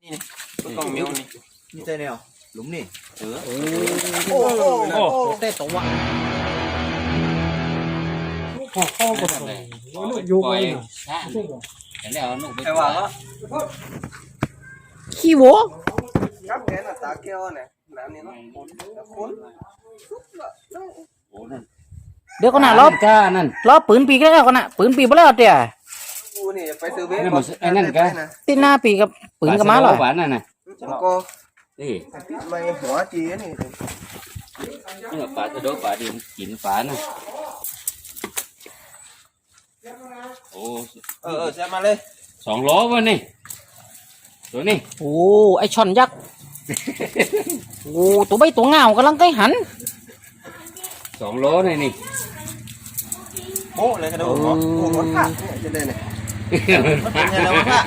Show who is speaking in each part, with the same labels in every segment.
Speaker 1: นี่ตัวกองเมียวนี่
Speaker 2: นี่ใจแนวหลุมนี่
Speaker 1: โอ้
Speaker 2: เต้ตัว
Speaker 3: เข้ากับอยู่ไป
Speaker 1: แล้วนุ่มไป
Speaker 2: ใครว่าก็
Speaker 4: ขี้โว
Speaker 2: ครับแกน่ะตาแก้วเนี่ยน้ำนี่เนาะคน
Speaker 4: เดี๋ยวก็น่ะล้อปืนปีกแล้วก็น่ะปืนปีกบ่แล้วเตี้ย
Speaker 2: กูนี่ไปซื้อเบส
Speaker 4: ติดหน้าปีกับปืนกับม้าเหรอ
Speaker 3: หวานน่ะนะ
Speaker 2: แล้วก็
Speaker 3: นี่
Speaker 2: ติดไม้หัวจีนี่
Speaker 3: นี่ปลาจะโดนปลาดินกินปลาน่ะโอ้
Speaker 1: แซ่บมาเลย
Speaker 3: 2 โลวะนี่ตัวนี้
Speaker 4: โอ้ไอช่อนยักษ์โอ้ตัวใบตัวเงากำลังใกล้หัน
Speaker 3: 2 โลนี่
Speaker 1: โอ้เลยกระโดดหัว
Speaker 2: โอ้โหผ่าจะได้เนี่ย
Speaker 1: เป็นยังไงวะพ่ะ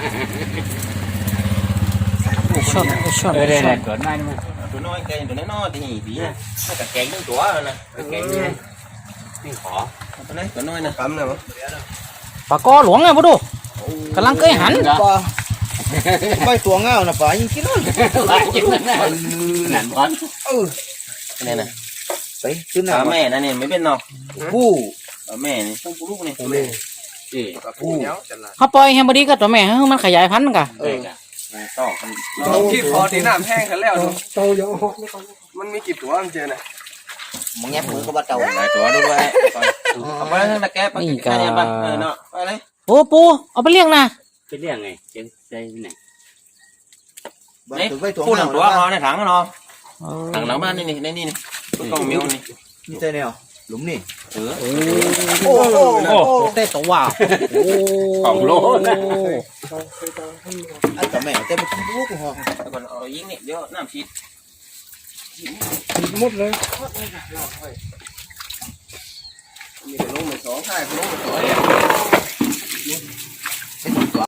Speaker 4: ช่อนไอช่อน
Speaker 3: เอ
Speaker 4: ไอ
Speaker 3: อได้
Speaker 4: ช่อน
Speaker 3: ตัวนั้นมา
Speaker 1: ตัวน้อยแกตัวน้อยที่หีดีนะไม่แต่แกงทั้งตัวนะ
Speaker 3: แกงนี่นี่ขอ
Speaker 1: ตัวนี้ตัวน้อยนะ
Speaker 2: กำเนี่ยมั้ง
Speaker 4: ปลากอหลวงไงบ่ดูกำลังใกล้หัน
Speaker 2: ปลาไม่ตัวเงาน่ะปลายิงกินเลย
Speaker 3: ปลากินนั่นนั่นบอล
Speaker 1: นี่นะ
Speaker 2: ไปขึ้นห
Speaker 1: ขา
Speaker 2: น้า
Speaker 1: แม่นั่นนี่ไม่เป็นเนาะ
Speaker 2: ผู้
Speaker 1: แม่นี่ต้องลูกนี่
Speaker 3: นี่
Speaker 2: ผู้เนี้ยจัดละ
Speaker 4: เขาปล่อยให้บดีก็ตัวแม่ให้มันขยายพันธุ์กะ
Speaker 3: ได้กะ
Speaker 1: ต่อ
Speaker 2: เราที่คอที่น้ำแห้งกันแล้ว
Speaker 3: โตเยอะ
Speaker 2: มันมีกี่ตัวมันเจอเนี่ย
Speaker 1: มึงแงบมือก็บัดเต่าหลายตัวด้วยเอาไปทั้งตะแกรงไปกินกันบ้างเนาะไปเลย
Speaker 4: โอ้ปูเอาไปเลี้ยงนะ
Speaker 3: ไปเรียกไงเจ๊งใจไหน
Speaker 1: นี่พูดหนังตัวเขาในถังเนาะถังหลังบ้านนี่นี่ตัวกองเมียวนี่
Speaker 2: นี่ใจแนวหลุมนี่
Speaker 4: โอ้เต้ตัวว่าโอ้
Speaker 3: 2 โลนะ
Speaker 2: ไอ้ตัวแม่เต้ไปกินลูกหัว
Speaker 1: แล้วก็เอายิงนี่เดี๋ยวน้ำชีด
Speaker 3: หมดเลย
Speaker 2: มีแต่ลงไป2 ท่ายลงไป2